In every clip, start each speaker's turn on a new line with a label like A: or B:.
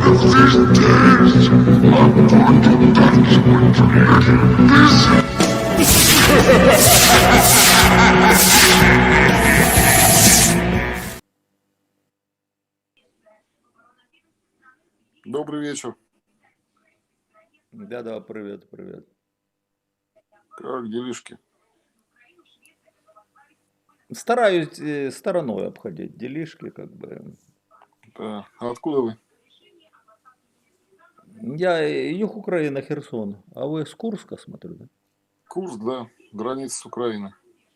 A: Добрый вечер.
B: Да-да, привет, привет.
A: Как делишки?
B: Стараюсь стороной обходить делишки, как бы.
A: Да. А откуда вы?
B: Я юг Украины, Херсон. А вы с Курска, смотрю, да?
A: Курск, да. Граница с Украиной.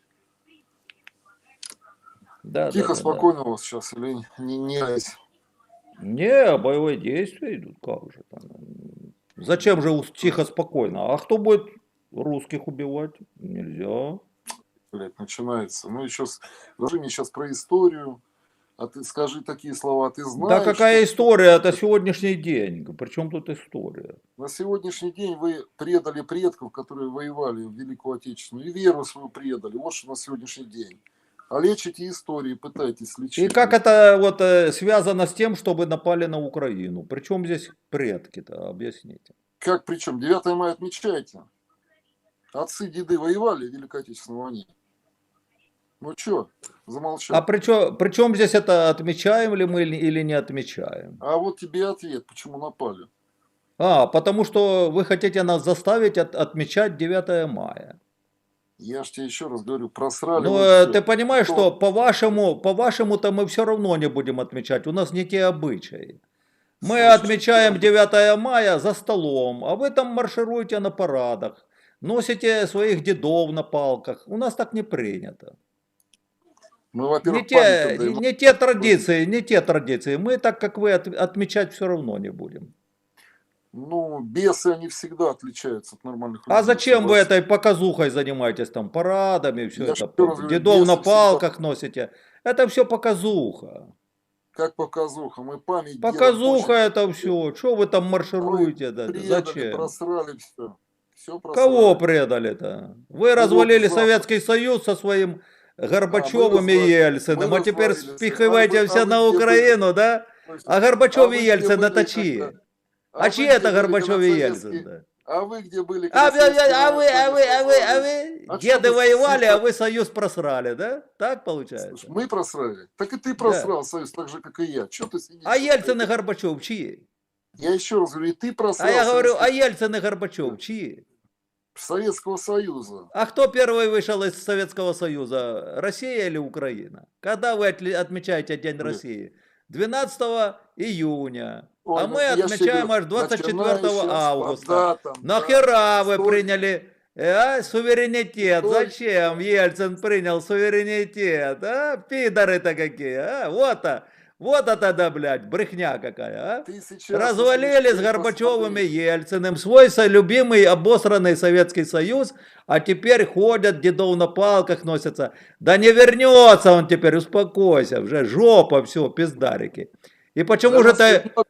B: Да,
A: Тихо,
B: да, да, да.
A: спокойно у вас сейчас или не айс?
B: Не, боевые действия идут, как же там. Зачем же тихо, спокойно? А кто будет русских убивать? Нельзя.
A: Блядь, начинается. Ну еще расскажи мне сейчас про историю. А ты скажи такие слова, ты знаешь,
B: Да какая
A: что
B: история? Это сегодняшний день. Причем тут история?
A: на сегодняшний день вы предали предков, которые воевали в Великую Отечественную, и веру свою предали. Вот что на сегодняшний день. А лечите истории, пытайтесь лечить.
B: И как это вот связано с тем, чтобы напали на Украину? Причем здесь предки-то? Объясните.
A: Как причем? 9 мая отмечаете? Отцы, деды воевали в Великой Отечественной войне. Ну что, замолчал.
B: А при чем здесь это, отмечаем ли мы или не отмечаем?
A: А вот тебе ответ, почему напали.
B: Потому что вы хотите нас заставить отмечать 9 мая.
A: Я ж тебе еще раз говорю, просрали.
B: Ну, ты понимаешь, что по-вашему-то мы все равно не будем отмечать. У нас не те обычаи. Мы отмечаем 9 мая за столом, а вы там маршируете на парадах, носите своих дедов на палках. У нас так не принято.
A: Мы, во-первых,
B: не те традиции. Мы так, как вы, отмечать все равно не будем.
A: Ну, бесы, они всегда отличаются от нормальных людей.
B: А зачем вы этой показухой занимаетесь, там, парадами, все это, дедов на палках всегда носите? Это все показуха.
A: Как показуха? Мы память
B: показуха это все. Что вы там маршируете? Да? Зачем?
A: Просрали все. Все просрали.
B: Кого предали-то? Вы развалили Советский Союз со своим Горбачевым и Ельциным, а теперь спихиваете все на Украину, да? А Горбачев и Ельцин это чьи? А чьи это Горбачев и Ельцин?
A: А вы где были?
B: А вы? Деды воевали, а вы Союз просрали, да? Так получается?
A: Слушай, мы просрали. Так и ты просрал Союз, так же, как и я. Че ты сидишь?
B: А Ельцин и Горбачев чьи?
A: Я еще раз говорю, и ты просрал.
B: А я говорю, а Ельцин и Горбачев чьи?
A: Советского Союза.
B: А кто первый вышел из Советского Союза? Россия или Украина? Когда вы отмечаете День России? 12 июня.
A: Ой,
B: а мы отмечаем аж 24 августа.
A: Датам,
B: Нахера вы приняли суверенитет?
A: Стой.
B: Зачем Ельцин принял суверенитет? Пидоры-то какие, Вот это да, блядь, брехня какая, Развалили с Горбачевым и Ельциным свой любимый обосранный Советский Союз, а теперь ходят, дедов на палках носятся. Да не вернется он теперь, успокойся, уже жопа, все, пиздарики. И почему же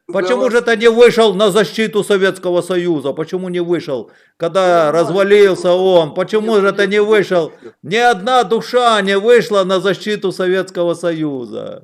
B: ты не вышел на защиту Советского Союза? Почему не вышел, когда развалился он? Почему же ты не вышел? Ни одна душа не вышла на защиту Советского Союза.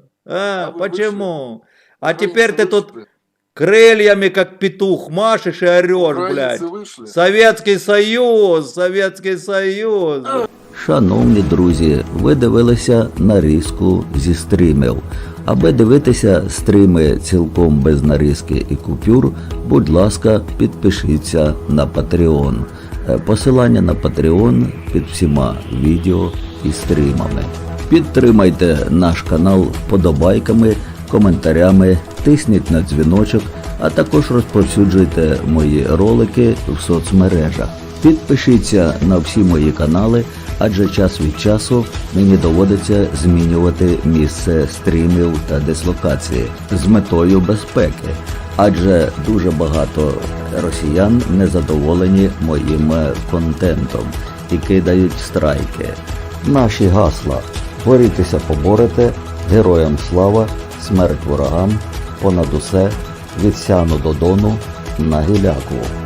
B: Почему? А теперь ты тут крыльями, как петух, машешь и орешь, блядь. Советский Союз, Советский Союз.
C: Шановні друзі, ви дивилися нарізку зі стрімів. Аби дивитися стріми цілком без нарізки і купюр, будь ласка, підпишіться на Patreon. Посилання на Patreon під всіма відео і стрімами. Підтримайте наш канал вподобайками, коментарями, тисніть на дзвіночок, а також розповсюджуйте мої ролики в соцмережах. Підпишіться на всі мої канали, адже час від часу мені доводиться змінювати місце стрімів та дислокації з метою безпеки, адже дуже багато росіян незадоволені моїм контентом і кидають страйки. Наші гасла: борітеся, поборете, героям слава, смерть ворогам, понад усе, від Сяну до Дону, на Гіляку.